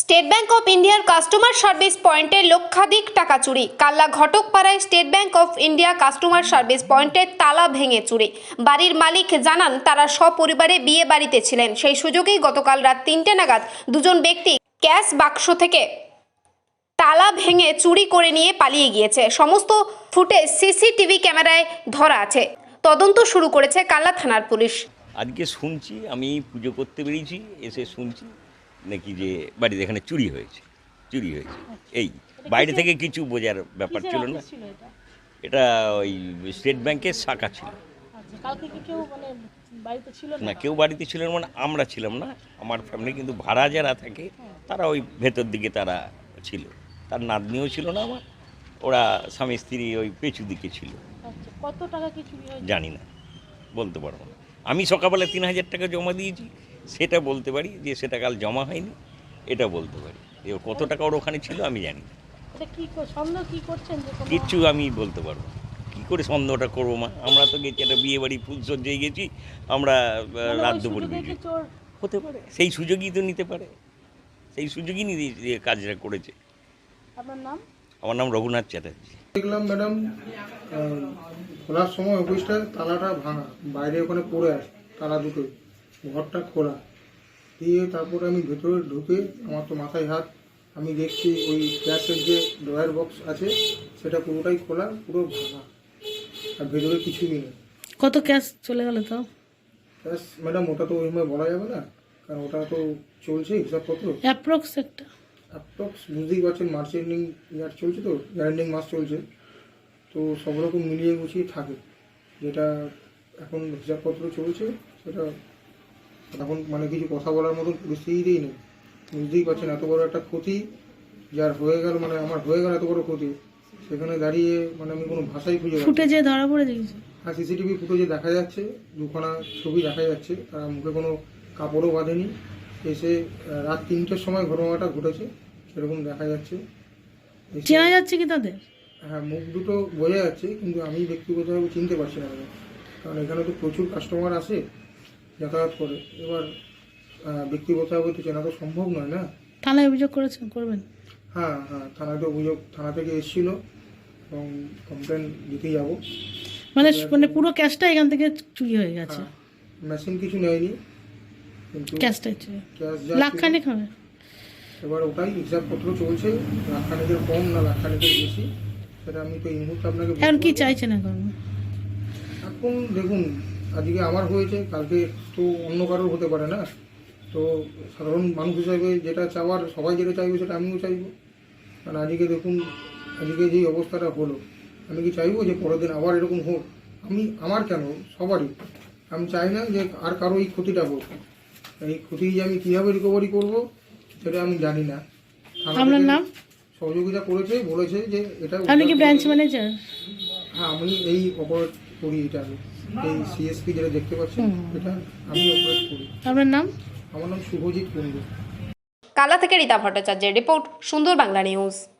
State bank of ইন্ডিয়ার customer service পয়েন্টে লক্ষাধিক টাকা চুরি। কাল্লা ঘটকপাড়ায় state bank of India customer service পয়েন্টের তালা ভেঙে চুরি। বাড়ির মালিক জানান তারা সপরিবারে বিয়ে বাড়িতে ছিলেন। সেই সুযোগেই গতকাল রাত 3টে নাগাদ দুজন ব্যক্তি ক্যাশ বাক্স থেকে তালা ভেঙে চুরি করে নিয়ে পালিয়ে গিয়েছে। সমস্ত ফুটেজ সিসিটিভি ক্যামেরায় ধরা আছে। তদন্ত শুরু করেছে কাল্লা থানার পুলিশ। আজকে শুনছি, আমি পুজো করতে বেরিয়েছি, এসে শুনছি নাকি যে বাড়িতে এখানে চুরি হয়েছে। এই বাইরে থেকে কিছু বোঝার ব্যাপার ছিল না। এটা ওই স্টেট ব্যাংকের শাখা ছিল। না, কেউ বাড়িতে ছিল না, মানে আমরা ছিলাম না, আমার ফ্যামিলি। কিন্তু ভাড়া যারা থাকে তারা ওই ভেতর দিকে তারা ছিল। তার নাতনিও ছিল না আমার, ওরা স্বামী স্ত্রী ওই পেছু দিকে ছিল। কত টাকা কি চুরি হয়েছে জানি না, বলতে পারবো না। আমি সকালবেলা 3000 টাকা জমা দিয়েছি, সেটা বলতে পারি। যে সেটা কাল জমা হয়নি এটা বলতে পারি। কত টাকা ওর ওখানে ছিল আমি জানি না। কিচ্ছু আমি বলতে পারবো না। কী করে সন্দেহটা করবো মা? আমরা তো গেছি একটা বিয়ে বাড়ি, ফুলসজ্জায় গেছি আমরা, রাত দুপুর গেছি। হতে পারে, সেই সুযোগই তো নিতে পারে, সেই সুযোগই নিয়ে কাজটা করেছে। আপনার নাম? আমার নাম রঘুনাথ চ্যাটার্জি। দেখলাম ম্যাডাম খোলার সময় অফিসটা তালাটা ভাঙা, বাইরে ওখানে পড়ে আছে তালা দুটো, ঘরটা খোলা দিয়ে তারপরে আমি ভেতরে ঢুকে, আমার তো মাথায় হাত, আমি দেখছি ওই গ্যাসের যে ড্রয়ার বক্স আছে সেটা পুরোটাই খোলা, পুরো ভাঙা, আর ভেতরে কিছুই নেই। কত ক্যাশ চলে গেল তাও? ক্যাশ ম্যাডাম ওটা তো ওইভাবে বলা যাবে না, কারণ ওটা তো চলছে হিসাবপত্র। অ্যাপ্রক্স একটা অ্যাপ্রক্স বুঝতেই পারছেন, মার্চ এন্ডিং ইয়ার চলছে, তো এন্ডিং মাস চলছে, তো সব রকম মিলিয়ে গুছিয়ে থাকে। যেটা এখন হিসাবপত্র চলছে সেটা এখন মানে কিছু কথা বলার মতো পরিস্থিতিই নেই। বুঝতেই পারছেন এত বড় একটা ক্ষতি যার হয়ে গেল, মানে আমার হয়ে গেল এত বড় ক্ষতি, সেখানে দাঁড়িয়ে মানে আমি কোনো ভাষাই খুঁজে পাচ্ছি না। ফুটেজে ধরা পড়ে গেছে। হ্যাঁ, সিসিটিভি ফুটেজে দেখা যাচ্ছে, দুখানা ছবি দেখা যাচ্ছে, তারা মুখে কোনো কাপড়ও বাঁধেনি। এসে রাত 3টের সময় ঘটনাটা ঘটেছে সেরকম দেখা যাচ্ছে। চেনা যাচ্ছে কি তাদের? হ্যাঁ, মুখ দুটো বোঝা যাচ্ছে, কিন্তু আমি ব্যক্তিগতভাবে চিনতে পারছি না, কারণ এখানে তো প্রচুর কাস্টমার আসে, যাতায়াত করে। এবার ব্যক্তিগতভাবে তো চেনা তো সম্ভব নয় না। থানায় অভিযোগ করবেন? হ্যাঁ, থানাতে অভিযোগ, থানা থেকে এসেছিল এবং কমপ্লেন দিতে যাবো। মানে পুরো ক্যাশটা এখান থেকে চুরি হয়ে গেছে? মেশিন কিছু নেয়নি, কিন্তু ক্যাশটাই চুরি। ক্যাশ লাখখানেক হবে। এবার ওটাই হিসাবপত্র চলছে, লাখখানেকের কম না লাখখানেকের বেশি সেটা আমি তো এই মুহূর্তে আপনাকে এখন কি চাইছেন? এখন দেখুন, আজকে আমার হয়েছে, কালকে তো অন্য কারোর হতে পারে না। তো সাধারণ মানুষ হিসাবে যেটা চাওয়ার, সবাই যেটা চাইবে সেটা আমিও চাইবো। কারণ আজকে দেখুন, আজকে যেই অবস্থাটা হলো, আমি কি চাইবো যে পরের দিন আবার এরকম হোক? আমার কেন, সবারই। আমি চাই না যে আর কারো এই ক্ষতিটা হোক। এই ক্ষতি যে আমি কীভাবে রিকভারি করবো সেটা আমি জানি না। আপনার নাম? সহযোগিতা করেছে, বলেছে যে এটা। আপনি কি ব্রাঞ্চ ম্যানেজার? হ্যাঁ, আমি এই অপারেট করি, এটা আমি এই সিএসপি যেটা দেখতে পাচ্ছি এটা আমি অপারেট করি। আপনার নাম? আমার নাম শুভজিৎ কুন্ডু। কাল্লা থেকে রীতা ভট্টাচার্যের রিপোর্ট, সুন্দর বাংলা নিউজ।